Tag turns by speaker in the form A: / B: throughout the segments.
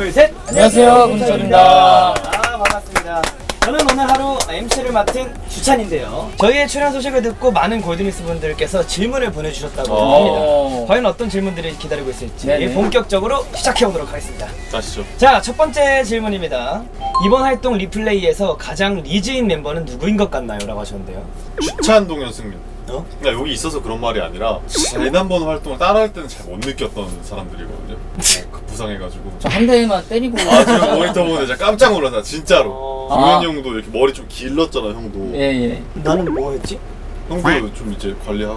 A: 둘, 셋!
B: 안녕하세요, 군철입니다.
A: 반갑습니다. 저는 오늘 하루 MC를 맡은 주찬인데요. 저희의 출연 소식을 듣고 많은 골드니스 분들께서 질문을 보내주셨다고 합니다. 과연 어떤 질문들이 기다리고 있을지 본격적으로 시작해보도록 하겠습니다.
C: 가시죠.
A: 자, 첫 번째 질문입니다. 이번 활동 리플레이에서 가장 리즈인 멤버는 누구인 것 같나요? 라고 하셨는데요.
C: 주찬, 동현, 승민.
A: 그러니까
C: 여기 있어서 그런 말이 아니라 지난번 활동을 따라할 때는 잘 못 느꼈던 사람들이거든요. 부상해가지고
B: 저 한 대만 때리고.
C: 제가 모니터 보는데 진짜 깜짝 놀랐다 진짜로. 동현 형도 이렇게 머리 좀 길렀잖아 형도.
B: 예.
A: 나는 뭐 했지?
C: 형도 좀 이제 관리하고.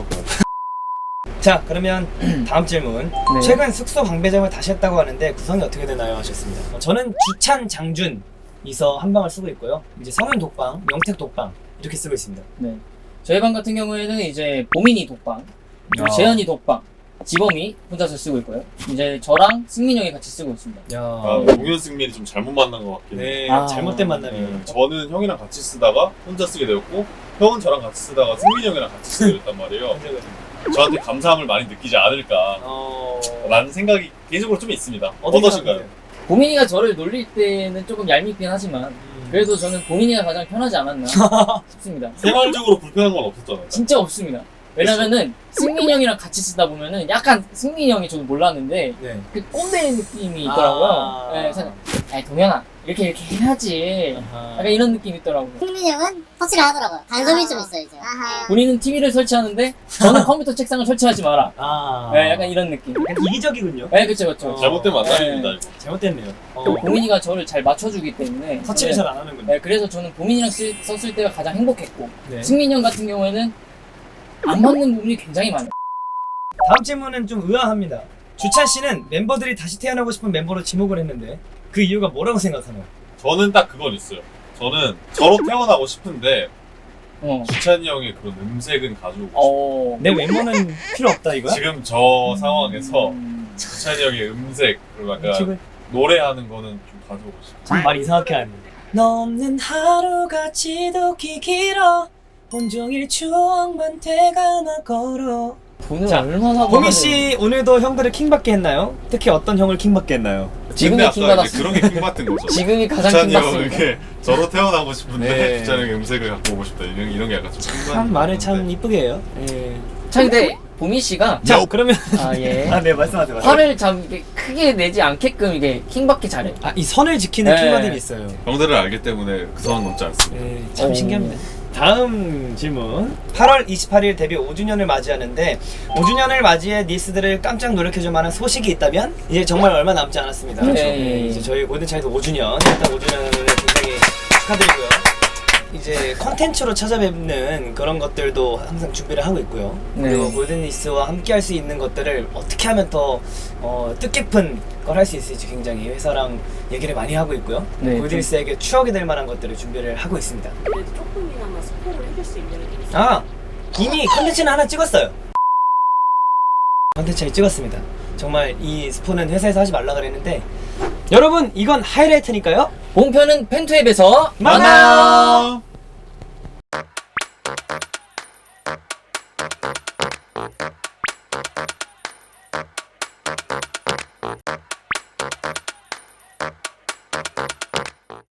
A: 자, 그러면 다음 질문.
B: 네.
A: 최근 숙소 방배점을 다시 했다고 하는데 구성이 어떻게 되나요? 하셨습니다. 저는 주찬, 장준 이서 한 방을 쓰고 있고요. 이제 성윤 독방, 명택 독방 이렇게 쓰고 있습니다.
B: 네. 저희 방 같은 경우에는 이제 보민이 독방, 그리고 재현이 독방, 지범이 혼자서 쓰고 있고요. 이제 저랑 승민 형이 같이 쓰고 있습니다.
A: 야,
C: 동현, 승민이 좀 잘못 만난 것 같긴 해.
A: 네,
B: 아.
A: 잘못된 만남이에요.
C: 저는 형이랑 같이 쓰다가 혼자 쓰게 되었고 형은 저랑 같이 쓰다가 승민 형이랑 같이 쓰게 됐단 말이에요. 저한테 감사함을 많이 느끼지 않을까 라는 생각이 개인적으로 좀 있습니다. 어떠신가요?
B: 보민이가 저를 놀릴 때는 조금 얄밉긴 하지만 그래도 저는 보민이가 가장 편하지 않았나 싶습니다.
C: 생활적으로 불편한 건 없었잖아요.
B: 진짜 없습니다. 왜냐면은 승민 형이랑 같이 쓰다 보면은 약간 승민 형이 저도 몰랐는데
A: 네.
B: 그 꼰대 느낌이 있더라고요. 네, 그래서 동현아 이렇게 해야지. 약간 이런 느낌이 있더라고요.
D: 승민이 형은 터치를 하더라고요. 간섭이 좀 있어요, 이제.
B: 본인은 TV를 설치하는데 저는 컴퓨터 책상을 설치하지 마라.
A: 네,
B: 약간 이런 느낌.
A: 약간 이기적이군요.
B: 네, 그쵸.
C: 잘못된 만남입니다 이거.
A: 잘못됐네요.
B: 또 보민이가 저를 잘 맞춰주기 때문에
A: 터치를
B: 저는-
A: 잘 안 하는군요.
B: 네, 그래서 저는 보민이랑 썼을 때가 가장 행복했고
A: 네.
B: 승민 형 같은 경우에는 안 맞는 부분이 굉장히 많아요.
A: 다음 질문은 좀 의아합니다. 주찬 씨는 멤버들이 다시 태어나고 싶은 멤버로 지목을 했는데 그 이유가 뭐라고 생각하나요?
C: 저는 딱 그건 있어요. 저는 저로 태어나고 싶은데
B: 어.
C: 주찬이 형의 그런 음색은 가지고
A: 내 외모는 필요 없다 이거야?
C: 지금 저 상황에서
B: 음.
C: 주찬이 형의 음색 그리고 약간
A: 지금
C: 노래하는 거는 좀 가져오고 싶어요.
A: 참 말 이상하게 하네. 너 없는 하루가 지독히 길어 온종일 추억만 되감아 걸어.
B: 돈을
A: 자,
B: 얼마나
A: 보민 씨 오늘도 형들을 킹받게 했나요? 특히 어떤 형을 킹받게 했나요?
B: 지금이
C: 근데 아까
B: 킹받았어요.
C: 이제 그런 게 킹받은 거죠.
B: 지금이 가장
C: 주찬이 형
B: 킹받습니다.
C: 이렇게 저로 태어나고 싶은데
A: 네.
C: 주찬이 형의 음색을 갖고 오고 싶다 이런 게 약간 좀 킹받는
A: 참 말을
C: 건데.
A: 참 이쁘게 해요. 예.
B: 자, 근데 보민 씨가
A: 자, 그러면
B: 예.
A: 네, 말씀하세요.
B: 화를 참 이렇게 크게 내지 않게끔 이게 킹받기 잘해.
A: 이 선을 지키는
B: 네.
A: 킹받음이 있어요.
C: 형들을 알기 때문에 그 선은 넘지 않습니다.
A: 네, 참
B: 오.
A: 신기합니다. 다음 질문. 8월 28일 데뷔 5주년을 맞이하는데 5주년을 맞이해 니스들을 깜짝 놀래켜줄 만한 소식이 있다면 이제 정말 얼마 남지 않았습니다.
B: 네.
A: 이제 저희 골든차일드 5주년 일단 5주년을 굉장히 축하드리고요. 이제 컨텐츠로 찾아뵙는 그런 것들도 항상 준비를 하고 있고요.
B: 네.
A: 그리고 골든니스와 함께 할 수 있는 것들을 어떻게 하면 더 뜻깊은 걸 할 수 있을지 굉장히 회사랑 얘기를 많이 하고 있고요.
B: 네,
A: 골든니스에게 추억이 될 만한 것들을 준비를 하고 있습니다.
E: 그래도 조금이나마 스포를 해줄 수 있는 게 있어요.
A: 이미 컨텐츠는 하나 찍었어요. 컨텐츠를 찍었습니다. 정말 이 스포는 회사에서 하지 말라 그랬는데 여러분 이건 하이라이트니까요.
B: 본편은 팬투앱에서
A: 만나요.